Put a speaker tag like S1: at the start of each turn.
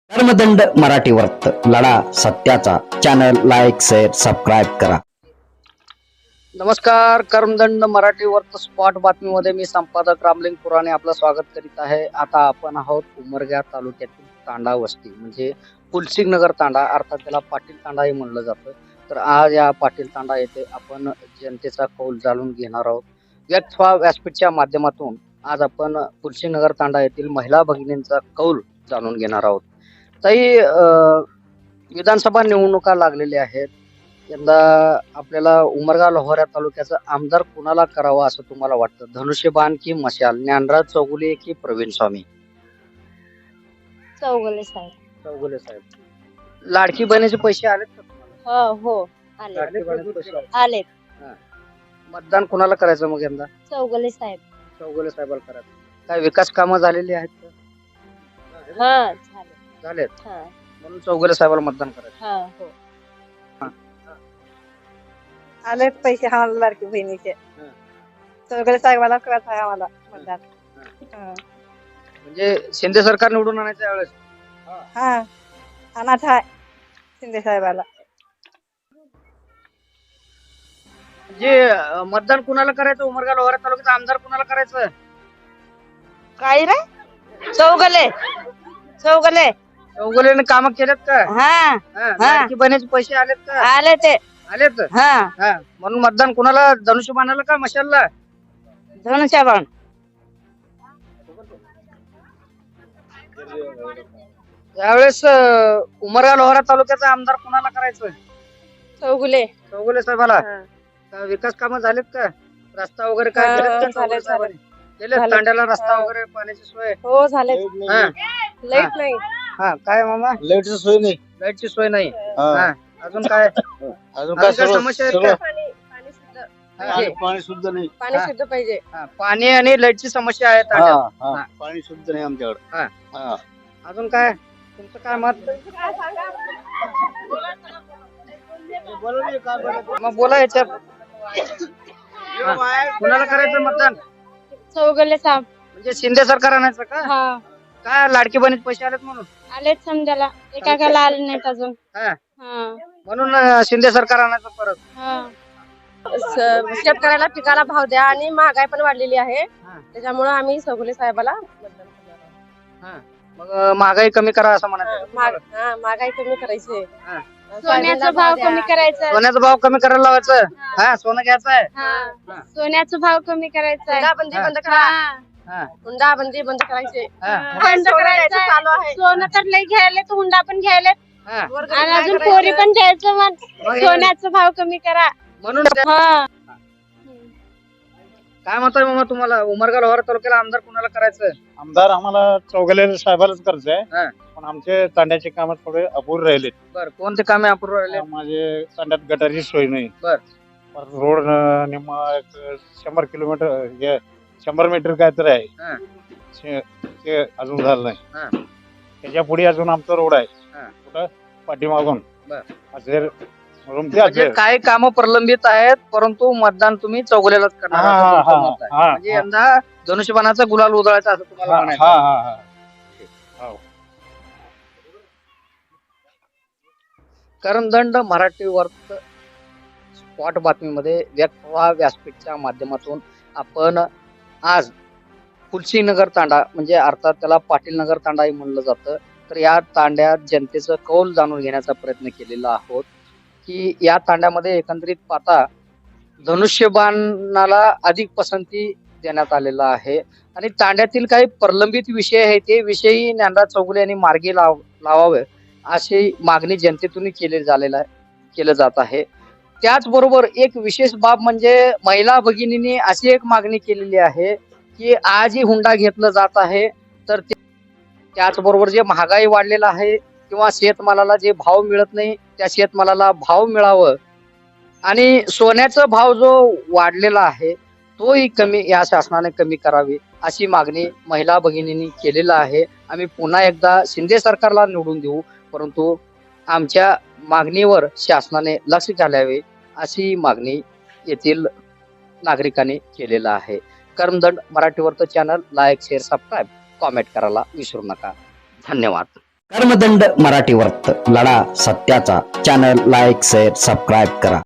S1: कर्मदंड मराठी वर्त लढा सत्याचा चॅनल लाईक शेअर सबस्क्राईब करा.
S2: नमस्कार. कर्मदंड मराठी वर्त स्पॉट बातमीमध्ये मी संपादक रामलिंग पुराणे आपलं स्वागत करीत आहे. आता आपण आहोत उमरगा तालुक्यातील तांडा वस्ती म्हणजे पुलसिंग नगर तांडा, अर्थात त्याला पाटील तांडाही म्हणलं जातं. तर आज या पाटील तांडा येथे आपण जनतेचा कौल जाणून घेणार आहोत. व्यक्त व्हा व्यासपीठच्या माध्यमातून आज आपण पुलसिंग नगर तांडा येथील महिला भगिनींचा कौल जाणून घेणार आहोत. ताई, विधानसभा निवडणुका लागलेल्या आहेत. यंदा आपल्याला उमरगा लोहारा तालुक्याचा आमदार कुणाला करावा असं तुम्हाला वाटतं? धनुष्यबाण की मशाल, ज्ञानराज चौगुले की प्रवीण स्वामी?
S3: चौगुले साहेब.
S2: चौगुले साहेब. लाडकी बहिणीचे पैसे आलेत का तुम्हाला?
S3: हो आले
S2: लाडकी बहिणीचे पैसे आले.
S3: आले.
S2: मतदान कुणाला करायचं मग यंदा?
S3: चौगुले साहेब.
S2: चौगुले साहेबाला करायचं. काय विकास कामं झालेली आहेत का?
S3: हा झाले.
S2: झालेत,
S3: हा
S2: म्हणून चौगुले साहेबाला मतदान करायचं.
S3: हा हो.
S4: आलेत पैसे आम्हाला लाडकी बहिणीचे. चौगुले साहेबाला करायचं आहे आम्हाला मतदान.
S2: म्हणजे शिंदे सरकार निवडून आणायचं यावेळेस?
S4: हा अनाथ आहे शिंदे साहेबाला.
S2: जे मतदान कुणाला करायचं उमरगा लोहारा तालुक्याचा आमदार कुणाला करायचं?
S3: काय रे? चौगुले. चौगुले.
S2: चौगुलेने काम केलेत का?
S3: हा
S2: लाडकी बहिणीचे पैसे आलेत का?
S3: आले ते.
S2: आलेत.
S3: हा
S2: म्हणून मतदान कुणाला? धनुष्यबाणाला का मशालला?
S3: धनुष्यबाण.
S2: यावेळेस उमरगा लोहारा तालुक्याचा आमदार कुणाला करायचं?
S3: चौगुले.
S2: चौगुले साहेबाला. का विकास कामं झालेत का? रस्ता वगैरे काय केलेत का चौगुले साहेबांनी? केलेत. तांड्याला रस्ता वगैरे, पाण्याची सोय?
S4: हो झाले.
S2: हा.
S4: लाईट नाही.
S2: हा, काय मामा?
S5: लाईटची सोय नाही.
S2: लाईटची सोय नाही.
S5: हा.
S2: अजून काय?
S5: अजून
S2: काय
S5: काय
S2: समस्या आहेत का?
S4: पाणी शुद्ध.
S5: पाणी शुद्ध नाही.
S4: पाणी शुद्ध पाहिजे.
S2: पाणी आणि लाईटची समस्या आहे
S5: हा,
S2: तांड्यात.
S5: हा. पाणी शुद्ध नाही आमच्याकडे.
S2: हा.
S5: हा.
S2: अजून काय? तुमचं काय मत? मग बोला याच्यात. कुणाला करायचं मतदान?
S3: चौगुले साहेब.
S2: म्हणजे शिंदे सरकार आणायचं का?
S3: हा
S2: काय लाडकी बहिणीचे पैसे आलेत म्हणून?
S3: आलेच समजायला. एकाला आले नाहीत अजून.
S2: हा.
S3: हा
S2: म्हणून शिंदे सरकार आणायचं परत.
S3: हा.
S4: शेतकऱ्याला पिकाला भाव द्या आणि महागाई पण वाढलेली आहे.
S2: हा.
S4: त्याच्यामुळे आम्ही चौगुले साहेबाला मतदान करणार आहोत.
S2: मग महागाई कमी करा असं म्हणायचं तुम्हाला?
S4: महागाई कमी करायची.
S2: हा.
S3: सोन्याचा भाव कमी करायचा.
S2: सोन्याचा भाव कमी करायला लावायचं. हा, सोनं घ्यायचं आहे.
S3: हा. सोन्याचा भाव कमी करायचा आहे.
S4: हुंडाबंदी बंद करा.
S2: हा.
S4: हुंडाबंदी बंद करायची.
S2: हा.
S3: बंद करायचं
S4: चालू आहे.
S3: सोनं तर लई घ्यायला, तर हुंडा पण घ्यायला,
S2: हा.
S3: आणि अजून पोरी पण घ्यायचं. मग सोन्याचा भाव कमी करा.
S2: म्हणून
S3: हा.
S2: काय म्हणताय मामा तुम्हाला? उमरगा लोहारा तालुक्याला आमदार कुणाला करायचं?
S5: आमदार आम्हाला चौगुले साहेबालाच करायचंय.
S2: हा.
S5: पण आमचे तांड्याचे काम थोडे अपूर्ण राहिले.
S2: बर, कोणते कामे अपूर्ण राहिले?
S5: माझे तांड्यात गटारची सोय नाही.
S2: बर.
S5: परत रोड निम्मा 100 किलोमीटर 100 मीटर काय तर आहे.
S2: हा.
S5: ते अजून झालं
S2: हा.
S5: नाही. त्याच्या पुढे अजून आमचा रोड आहे.
S2: हा.
S5: कुठं पाठीमागून
S2: बर.
S5: असेल म्हणून ते
S2: म्हणजे
S5: असेल.
S2: काही कामं प्रलंबित आहेत, परंतु मतदान तुम्ही चौगुलेलाच करणार
S5: हा,
S2: असं तुमचं
S5: हा,
S2: मत आहे.
S5: हा,
S2: म्हणजे
S5: हा.
S2: यंदा धनुष्यबाणाचा गुलाल उधळायचा असं तुम्हाला
S5: हा,
S2: म्हणायचं.
S5: हा, हा, हा.
S2: कर्मदंड मराठी वर्त स्पॉट बातमीमध्ये व्यक्त व्हा व्यासपीठच्या माध्यमातून आपण आज पुलसिंग नगर तांडा म्हणजे अर्थात त्याला पाटील नगर तांडाही म्हणलं जातं. तर या तांड्यात जनतेचं कौल जाणून घेण्याचा प्रयत्न केलेला आहोत की या तांड्यामध्ये एकंदरीत पाहता धनुष्यबाणाला अधिक पसंती देण्यात आलेला आहे आणि तांड्यातील काही प्रलंबित विषय आहेत ते विषयी ज्ञानराज चौगुले यांनी मार्गी लावावे अशी मागणी जनतेतून केलं जात आहे. त्याचबरोबर एक विशेष बाब म्हणजे महिला भगिनींनी अशी एक मागणी केलेली आहे की आजही हुंडा घेतलं जात आहे. तर त्याचबरोबर जे महागाई वाढलेला आहे किंवा शेतमालाला जे भाव मिळत नाही त्या शेतमालाला भाव मिळावं आणि सोन्याचा भाव जो वाढलेला आहे तोही कमी या शासनाने कमी करावी अशी मागणी महिला भगिनींनी केलेला आहे. आम्ही पुन्हा एकदा शिंदे सरकारला निवडून देऊ, परंतु आमच्या मागणीवर शासनाने लक्ष घालावे अशी मागणी येथील नागरिकांनी केलेला आहे. कर्मदंड मराठी वर्त channel like share subscribe comment करायला विसरू नका. धन्यवाद.
S1: कर्मदंड मराठी वर्त लढा सत्याचा. चॅनल लाईक शेअर सबस्क्राईब करा.